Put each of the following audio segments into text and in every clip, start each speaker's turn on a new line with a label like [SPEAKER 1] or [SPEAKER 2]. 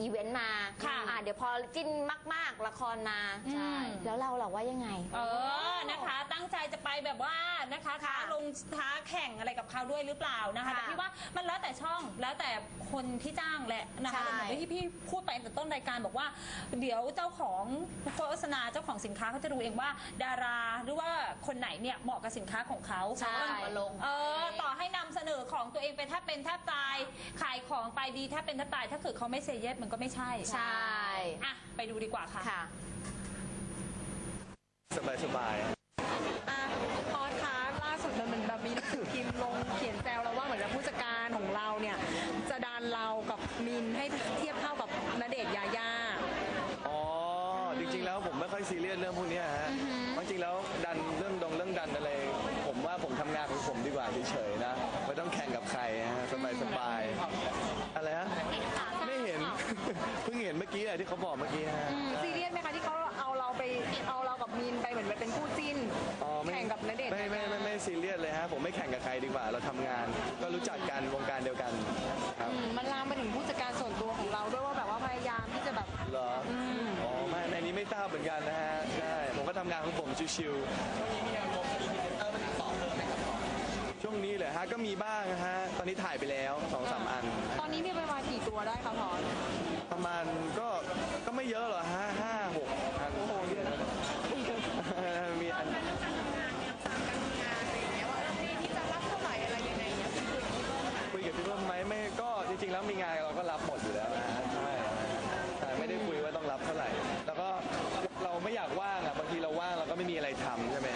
[SPEAKER 1] อีเวนต์มาเดี๋ยวพอจิ้นมากๆละครมาใช่แล้วเราล่ะว่ายังไง
[SPEAKER 2] นะคะตั้งใจจะไปแบบว่านะคะท้าแข่งอะไรกับเขาด้วยหรือเปล่านะคะแต่พี่ว่ามันแล้วแต่ช่องแล้วแต่คนที่จ้างแหละนะคะแต่เหมือนที่พี่พูดไปตั้งแต่ต้นรายการบอกว่าเดี๋ยวเจ้าของโฆษณาเจ้าของสินค้าเขาจะดูเองว่าดาราหรือว่าคนไหนเนี่ยเหมาะกับสินค้าของเขาต่อให้นำเสนอของตัวเองไปแทบเป็นแทบตายขายของไปดีแทบเป็นแทบตายถ้าเกิดเขาไม่เซเยสมันก็ไม่ใช่ไปดูดีกว่าค่ะ
[SPEAKER 3] สบาย
[SPEAKER 4] พอท้าล่าสุดมันเหมือนแบบมีหนังสือพิมพ์ลงเขียนแซวเราว่าเหมือนผู้จัดการของเราเนี่ยจะดันเรากับมินให้เทียบเท่ากับณเดชน์ยาย่า
[SPEAKER 3] จริงๆแล้วผมไม่ค่อยซีเรียสเรื่องพวกนี้ฮะจริงๆแล้วดันเรื่องดันอะไรผมว่าผมทำงานของผมดีกว่าเฉยๆนะไม่ต้องแข่งกับใครฮะสบายอะไรฮะไม่เห็นเพิ่งเห็นเมื่อกี้ที่เขาบอกเมื่อกี้ฮะ
[SPEAKER 4] ซีเรียสไหมคะที่เขาเอาเรากับมินไปเหมือนเป็นคู่จิ้นแข่งกับณเดชน์
[SPEAKER 3] ไม่ซีเรียสเลยฮะผมไม่แข่งกับใครดีกว่าเราทำงานก็รู้จักกันวงการเดียวกันครับ
[SPEAKER 4] มันลามไปถึงผู้จัดการส่วนตัวของเราด้วยว่าแบบว่าพยายามที่จะแบบ
[SPEAKER 3] เหรอไม่ในนี้ไม่ทราบเหมือนกันนะฮะใช่ผมก็ทำงานของผมชิวๆช่วงนี้เลยฮะก็มีบ้างฮะตอนนี้ถ่ายไปแล้ว 2-3 อัน
[SPEAKER 4] ตอนนี้มีประมาณกี่ตัวได้คะพร
[SPEAKER 3] ประมาณก็ไม่เยอะหรอฮะ5-6 อันมีอันคุยกับพี่เบิ้มไหมไม่ก็จริงๆแล้วมีงานเราก็รับหมดอยู่แล้วนะใช่ไม่ได้คุยว่าต้องรับเท่าไหร่แล้วก็เราไม่อยากว่างบางทีเราว่างเราก็ไม่มีอะไรทำใช่ไหม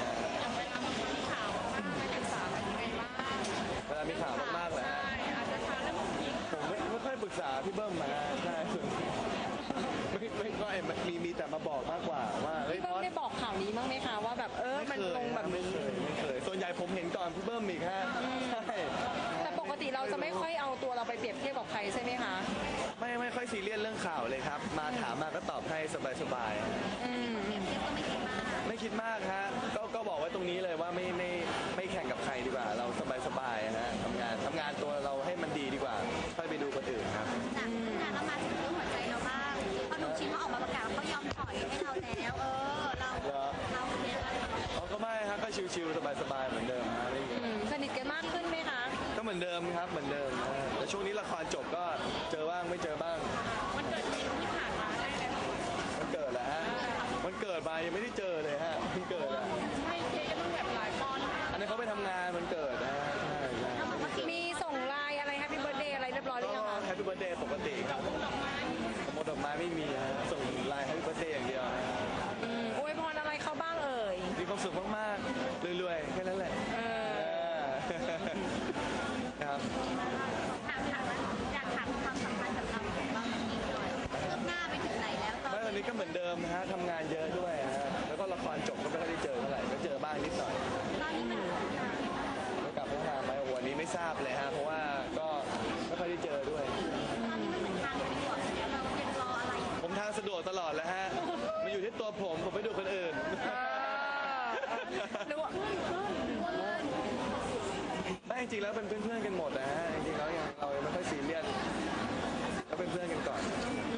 [SPEAKER 3] เวลามีข่าวมากๆเลยฮะผมไม่ค่อยปรึกษาพี่เบิ้มมาใช่ไม่ค่อยมีแต่มาบอกมากกว่าว่า
[SPEAKER 4] พี่เบิ้มได้บอกข่าวนี้บ้างไหมคะว่าแบบมันลงแบบ
[SPEAKER 3] ไม่เคยส่วนใหญ่ผมเห็นก่อนพี่เบิ้มอีกฮะใช่
[SPEAKER 4] แต่ปกติเราจะไม่ค่อยเอาตัวเราไปเปรียบเทียบกับใครใช่ไหมคะ
[SPEAKER 3] ไม่ค่อยซีเรียสเรื่องข่าวเลยครับมาถามมาก็ตอบให้สบายไม่คิดมากฮะก็บอกไว้ตรงนี้เลยว่าไม่แข่งกับใครดีกว่าเราสบายฮะทำงานตัวเราให้มันดีดีกว่าค่อยไปดูคนอื่นครับ
[SPEAKER 1] จากงานเรามาถึงเรื่องหัวใจเราบ้างพอหนุ่มชินเขาออกมาประกาศเขายอมถอยให้เราแล้วเราเนี่ย
[SPEAKER 3] ก็ไม่ฮะก็ชิวๆสบายเหมือนเดิมฮะ
[SPEAKER 4] สนิทกันมากขึ้นไหมคะ
[SPEAKER 3] ก็เหมือนเดิมครับเหมือนเดิมแต่ช่วงนี้ละครจบก็เจอบ้างไม่เจอบ้าง
[SPEAKER 1] มันเกิดที่ผ่านมาได้เลย
[SPEAKER 3] มันเกิดแล้วฮะมันเกิดมายังไม่ได้เจอเลยฮะมันเกิดแล้ว
[SPEAKER 1] ไม่เจ๊ต้องแบบหลายปอน
[SPEAKER 3] อันนี้เขาไปทำงานมันเกิดนะ
[SPEAKER 4] มีส่งไลน์อะไรแฮปปี้เบิร์ธเดย์อะไรเรียบร้อยหรือยังคะ
[SPEAKER 3] แฮปปี้เบิร์ธเดย์ปกติครับหมดดอกไม้ไม่มีฮะส่งไลน์แฮปปี้เบิร์ธเดย์อย่างเดียว
[SPEAKER 4] อวยพรอะไรเขาบ้างเอ่ย
[SPEAKER 3] มีความสุขมากๆรวยๆแค่นั้นแหละครับ
[SPEAKER 1] อยากถามความสัมพันธ์กับเราบ้างอีกหน่อยเริ่มหน้าไปถึงไหนแล้ว
[SPEAKER 3] ตอนนี้ก็เหมือนเดิมฮะทำงานเยอะด้วยฮะแล้วก็ละครจบก็ไม่ค่อยได้เจอเท่าไหร่ก็เจอบ้างนิดหน่อย
[SPEAKER 1] ตอนนี้มัน
[SPEAKER 3] กลับพัฒนาไหมวันนี้ไม่ทราบเลยฮะเพราะว่าก็ไม่ค่อยได้เจอด้วย
[SPEAKER 1] ตอนนี้มันเหมือนทางสะดวกเรายังรออะไร
[SPEAKER 3] ผมทางสะดวกตลอดแล้วฮะมันอยู่ที่ตัวผมไม่ดูคนอื่นไม่จริงๆแล้วเป็นเพื่อนๆกันหมดนะฮะจริงๆแล้วเรายังไม่ค่อยซีเรียสก็เป็นเพื่อนกันก่อน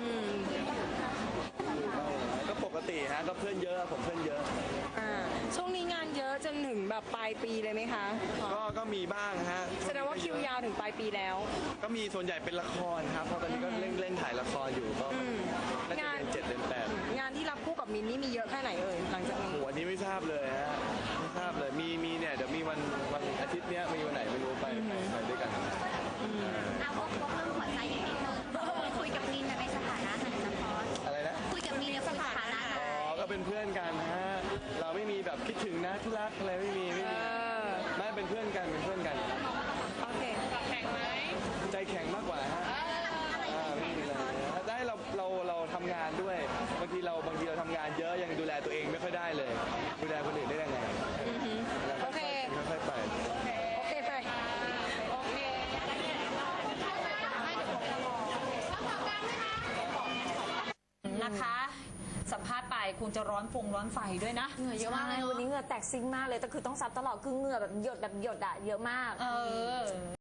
[SPEAKER 3] ก็ปกติฮะก็เพื่อนเยอะผมเพื่อนเยอะ
[SPEAKER 4] ช่วงนี้งานเยอะจนถึงแบบปลายปีเลยไหมคะ
[SPEAKER 3] ก็มีบ้างฮะ
[SPEAKER 4] แสดงว่าคิวยาวถึงปลายปีแล้ว
[SPEAKER 3] ก็มีส่วนใหญ่เป็นละครครับเพราะตอนนี้ก็เล่นถ่ายละครอยู่ก็งาน7 เดือน 8
[SPEAKER 4] งานที่รับคู่กับมินนี่มีเยอะแค่ไหนเอ่ยหลังจากนี้
[SPEAKER 3] วันนี้ไม่ทราบเลยฮะไม่ทราบเลยมีเนี่ยเดี๋ยวมีวันอาทิตย์เนี้ยมีวันไหนไม่รู้ไปด้วยกัน
[SPEAKER 1] เอาพวกเรื่องหัวใจอย่างนี้คุยกับมินในสถานะไหนนะพอ
[SPEAKER 3] อะไรนะ
[SPEAKER 1] คุยกับมินในสถานะไหน
[SPEAKER 3] ก็เป็นเพื่อนกันฮะเราไม่มีแบบคิดถึงนะที่รักอะไรไม่มีไม่เป็นเพื่อนกัน
[SPEAKER 4] โอเค
[SPEAKER 1] แข็งไหม
[SPEAKER 3] ใจแข็งมากกว่าฮะไม่มีอะไรได้เราทำงานด้วยบางทีเราทำงานเยอะยังดูแลตัวเองไม่ค่อยได้เลยดูแลคนอื่นได้ยังไง
[SPEAKER 4] โอเค
[SPEAKER 3] ค่อยไป
[SPEAKER 2] นะคะสัมภาษณ์ไปคงจะร้อนไฟด้วยนะ
[SPEAKER 1] เหงื่อเยอะมากเลยวันนี้เหงื่อแตกซิงมากเลยแต่คือต้องซับตลอดคือเหงื่อแบบหยดอะเยอะมาก